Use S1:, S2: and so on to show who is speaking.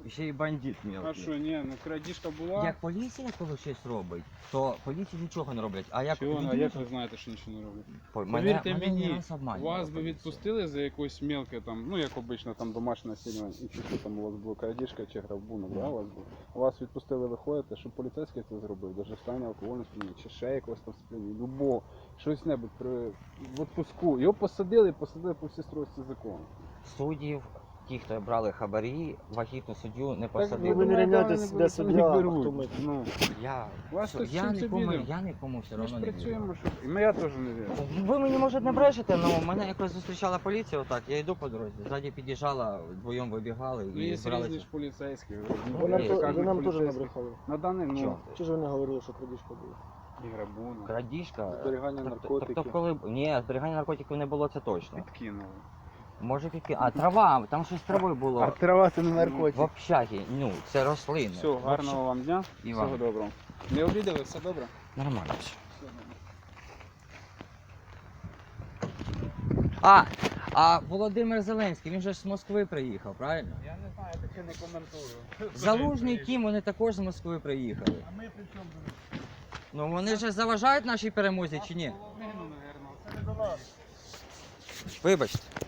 S1: ще й бандит
S2: А
S1: мелкий.
S2: що, ні, ну крадіжка була.
S1: Як поліція коли щось робить, то поліції нічого не роблять. А як
S2: Чого, а
S1: людина-
S2: як ви знаєте, що нічого не роблять?
S1: мене
S2: Повірте
S1: не
S2: мені,
S1: раз обманювала
S2: вас би
S1: поліція.
S2: відпустили за якусь мелке там, ну як обично там домашнє насилля, і чи що там у вас було крадіжка чи грабунок, да, у вас був? Вас відпустили, виходите, щоб поліцейський це зробив, даже стані алкогольне сп'яніння, чи ще якогось там сп'яніння, любого, щось небудь в відпуску. Його посадили по всій стройці закону.
S1: Суддів, ті, хто брали хабарі, вагітну суддю не
S2: ви
S1: посадили.
S3: ви не
S2: думаєте,
S3: рівняйтесь,
S2: вони
S3: де
S2: не
S3: суддя, а
S2: беруть?
S3: хто ми.
S2: Ну,
S1: Я,
S2: вас
S1: що,
S2: тут
S1: я,
S2: чим це
S1: нікому,
S2: відомо?
S1: я нікому все
S2: Ми ж
S1: одно не вірю.
S2: працюємо, що... І я теж не вірю.
S1: Ви мені, може, не брешете, але мене якось зустрічала поліція, отак, я йду по дорозі, ззаді під'їжджала, вдвоєм вибігали
S2: Ну,
S1: і
S2: є різні
S1: збиралися.
S2: ж поліцейські.
S3: Ви нам,
S1: Є,
S3: то-
S2: кажуть,
S3: ви нам теж
S2: поліцейські.
S3: набрехали.
S2: На даний, ну,
S1: Чого?
S3: Чи ж ви не говорили, що крадіжка була?
S2: і грабунок.
S1: Крадіжка.
S2: Зберігання наркотиків.
S1: Тобто, коли... Ні, зберігання наркотиків не було, це точно.
S2: Підкинули.
S1: Може піки. А трава, там щось з травою було.
S2: трава це не
S1: В общагі, ну, це рослини.
S2: Все, гарного вам дня.
S1: І
S2: Всього
S1: вам.
S2: доброго. Не обідали, все добре?
S1: Нормально все.
S2: Все добре.
S1: А Володимир Зеленський, він же ж з Москви приїхав, правильно?
S2: Я не знаю, я таке не коментую.
S1: Залужний Кім, вони також з Москви приїхали.
S2: А ми при чому?
S1: Ну вони ж заважають нашій перемозі чи ні?
S2: Половину, мабуть.
S3: Це не до нас.
S1: Вибачте.